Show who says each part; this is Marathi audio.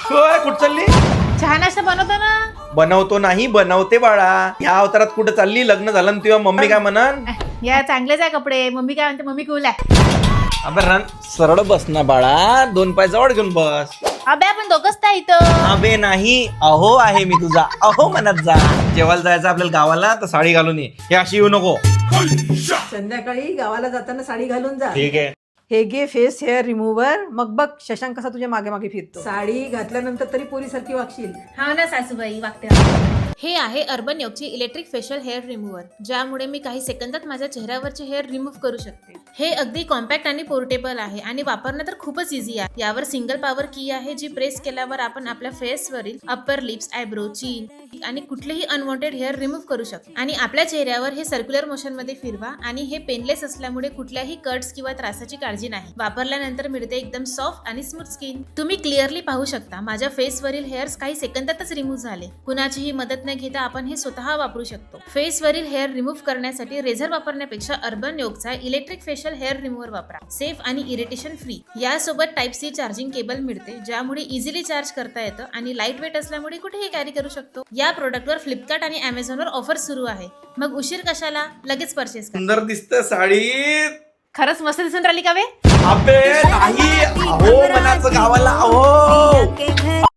Speaker 1: होय, कुठं चालली?
Speaker 2: चहा नाश्ता बनवतो ना.
Speaker 1: बनवतो नाही, बनवते बाळा. या अवतारात कुठं चालली? लग्न झालं ना तुझ्या मम्मी काय म्हणन?
Speaker 2: या चांगलेच आहे कपडे. मम्मी काय म्हणते? मम्मी कूल आहे.
Speaker 1: अबे रन सरळ बस ना बाळा, 2 पाय जवळ घेऊन बस.
Speaker 2: अबे आपण दोघंच त्या इथं.
Speaker 1: अबे नाही, अहो आहे मी तुझा. अहो म्हणत जा. जेवायला जायचं आपल्याला गावाला, तर साडी घालून ये. हे अशी येऊ नको.
Speaker 3: संध्याकाळी गावाला जाताना साडी घालून जा.
Speaker 1: ठीक आहे.
Speaker 3: हे घे फेस हेअर रिमूव्हर. मग बघ शशांक कसा तुझ्या मागे मागे फिरतो. साडी घातल्यानंतर तरी पोरीसारखी वागशील.
Speaker 2: हा ना सासूबाई, वागते. हे आहे अर्बन योगची इलेक्ट्रिक फेशियल हेअर रिमूव्हर, ज्यामुळे मी काही सेकंदात माझ्या चेहऱ्यावरचे हेअर रिमूव्ह करू शकते. हे अगदी कॉम्पॅक्ट आणि पोर्टेबल आहे आणि वापरणं तर खूपच इझी आहे. यावर सिंगल पॉवर की आहे, जी प्रेस केल्यावर आपण आपल्या फेसवरील अप्पर लिप्स, आयब्रो, चीन आणि कुठलेही अनवॉन्टेड हेअर रिमूव्ह करू शकतो. आणि आपल्या चेहऱ्यावर हे सर्क्युलर मोशन मध्ये फिरवा. आणि हे पेनलेस असल्यामुळे कुठल्याही कट्स किंवा त्रासाची काळजी नाही. वापरल्यानंतर मिळते एकदम सॉफ्ट आणि स्मूथ स्किन. तुम्ही क्लिअरली पाहू शकता माझ्या फेसवरील हेअर्स काही सेकंदातच रिमूव्ह झाले. कुणाचीही मदत न घेता आपण हे स्वतः वापरू शकतो. फेसवरील हेअर रिमूव्ह करण्यासाठी रेझर वापरण्यापेक्षा अर्बन योगचा इलेक्ट्रिक फेशियल हेअर रिमूव्हर वापरा. सेफ आणि इरिटेशन फ्री. यासोबत टाइप सी चार्जिंग केबल मिळते, ज्यामुळे इझिली चार्ज करता येतं आणि लाईट वेट असल्यामुळे कुठेही कॅरी करू शकतो. या प्रोडक्टवर फ्लिपकार्ट आणि अमेझॉनवर ऑफर सुरू आहे. मग उशीर कशाला, लगेच परचेस करा.
Speaker 1: सुंदर दिसते साडी.
Speaker 2: खरंच मस्त दिसून राहिली का वे?
Speaker 1: अबे नाही, अहो मनाचं गावाला. अहो